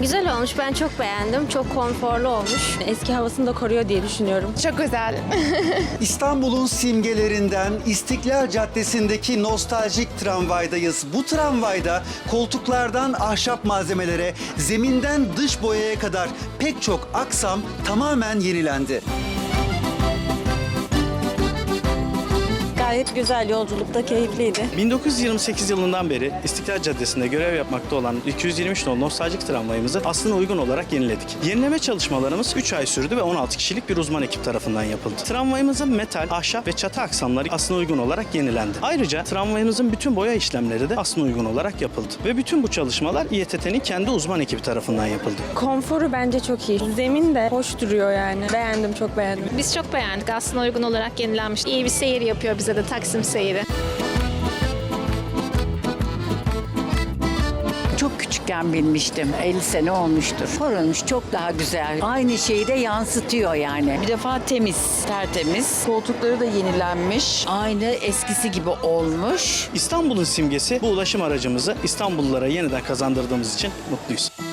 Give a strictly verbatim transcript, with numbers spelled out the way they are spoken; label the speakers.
Speaker 1: Güzel olmuş. Ben çok beğendim. Çok konforlu olmuş. Eski havasını da koruyor diye düşünüyorum.
Speaker 2: Çok güzel.
Speaker 3: İstanbul'un simgelerinden İstiklal Caddesi'ndeki nostaljik tramvaydayız. Bu tramvayda koltuklardan ahşap malzemelere, zeminden dış boyaya kadar pek çok aksam tamamen yenilendi.
Speaker 4: Gayet güzel, yolculukta keyifliydi.
Speaker 5: bin dokuz yüz yirmi sekiz yılından beri İstiklal Caddesi'nde görev yapmakta olan iki yüz yirmi üç nolu nostaljik tramvayımızı aslına uygun olarak yeniledik. Yenileme çalışmalarımız üç ay sürdü ve on altı kişilik bir uzman ekip tarafından yapıldı. Tramvayımızın metal, ahşap ve çatı aksamları aslına uygun olarak yenilendi. Ayrıca tramvayımızın bütün boya işlemleri de aslına uygun olarak yapıldı. Ve bütün bu çalışmalar İETT'nin kendi uzman ekibi tarafından yapıldı.
Speaker 4: Konforu bence çok iyi. Zemin de hoş duruyor yani. Beğendim, çok beğendim.
Speaker 2: Biz çok beğendik. Aslında uygun olarak yenilenmiş. İyi bir seyir yapıyor bize de Taksim seyri.
Speaker 6: Çok küçükken binmiştim. elli sene olmuştur. Korunmuş, çok daha güzel. Aynı şeyi de yansıtıyor yani.
Speaker 7: Bir defa temiz, tertemiz. Koltukları da yenilenmiş. Aynı eskisi gibi olmuş.
Speaker 5: İstanbul'un simgesi bu ulaşım aracımızı İstanbullulara yeniden kazandırdığımız için mutluyuz.